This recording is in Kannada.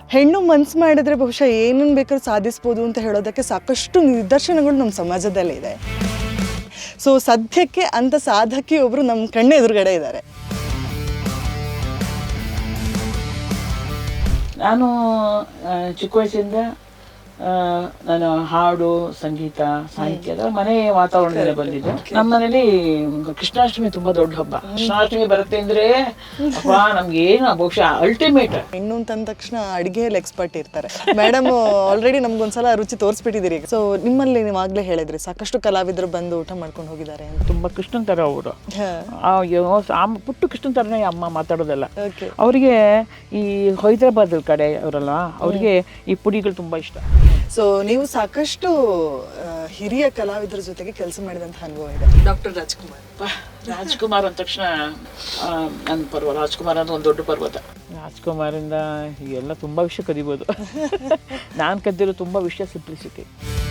ಹೆಣ್ಣು ಮನ್ಸು ಮಾಡಿದ್ರೆ ಬಹುಶಃ ಏನನ್ನು ಬೇಕಾದ್ರೂ ಸಾಧಿಸ್ಬೋದು ಅಂತ ಹೇಳೋದಕ್ಕೆ ಸಾಕಷ್ಟು ನಿದರ್ಶನಗಳು ನಮ್ಮ ಸಮಾಜದಲ್ಲಿ ಇದೆ. ಸೊ ಸದ್ಯಕ್ಕೆ ಅಂಥ ಸಾಧಕಿ ಒಬ್ಬರು ನಮ್ಮ ಕಣ್ಣು ಎದುರುಗಡೆ ಇದ್ದಾರೆ. ನಾನು ಚಿಕ್ಕ ವಯಸ್ಸಿಂದ ನಾನು ಹಾಡು, ಸಂಗೀತ, ಸಾಹಿತ್ಯದ ಮನೆ ವಾತಾವರಣದಲ್ಲಿ ಬಂದಿದ್ದು. ನಮ್ಮ ಮನೇಲಿ ಕೃಷ್ಣಾಷ್ಟಮಿ ತುಂಬಾ ದೊಡ್ಡ ಹಬ್ಬ. ಕೃಷ್ಣಾಷ್ಟಮಿ ಬರುತ್ತೆ ಅಂದ್ರೆ ಅಪ್ಪ ನಮ್ಗೆ ಏನು ಬಹುಶಃ ಅಲ್ಟಿಮೇಟ್. ಹೆಣ್ಣು ಅಂತಂದ ತಕ್ಷಣ ಅಡುಗೆಯಲ್ಲಿ ಎಕ್ಸ್ಪರ್ಟ್ ಇರ್ತಾರೆ. ಮೇಡಮ್ ಆಲ್ರೆಡಿ ನಮ್ಗೊಂದ್ಸಲ ರುಚಿ ತೋರಿಸ್ಬಿಟ್ಟಿದ್ದೀರಿ. ಸೊ ನಿಮ್ಮಲ್ಲಿ ನೀವು ಆಗ್ಲೇ ಹೇಳಿದ್ರಿ ಸಾಕಷ್ಟು ಕಲಾವಿದರು ಬಂದು ಊಟ ಮಾಡ್ಕೊಂಡು ಹೋಗಿದ್ದಾರೆ ಅಂತ. ತುಂಬಾ ಕೃಷ್ಣನ್ ತರ ಅವರು, ಪುಟ್ಟು ಕೃಷ್ಣನ್ ತರನೇ ಅಮ್ಮ ಮಾತಾಡೋದಲ್ಲ. ಓಕೆ. ಅವರಿಗೆ ಈ ಹೈದರಾಬಾದ್ ಕಡೆ ಅವರಲ್ಲ, ಅವ್ರಿಗೆ ಈ ಪುಡಿಗಳು ತುಂಬಾ ಇಷ್ಟ. ಸೊ ನೀವು ಸಾಕಷ್ಟು ಹಿರಿಯ ಕಲಾವಿದರ ಜೊತೆಗೆ ಕೆಲಸ ಮಾಡಿದಂಥ ಅನುಭವ ಇದೆ. ಡಾಕ್ಟರ್ ರಾಜ್ಕುಮಾರ್. ರಾಜ್ಕುಮಾರ್ ಅಂದ ತಕ್ಷಣ ನನ್ನ ಪರ್ವ. ರಾಜ್ಕುಮಾರ್ ಅಂದ್ರೆ ಒಂದು ದೊಡ್ಡ ಪರ್ವತ. ರಾಜ್ಕುಮಾರಿಂದ ಎಲ್ಲ ತುಂಬಾ ವಿಷಯ ಕದಿಬೋದು. ನಾನು ಕದ್ದಿರೋ ತುಂಬಾ ವಿಷಯ ಸಿಂಪ್ಲಿಸಿಟಿ.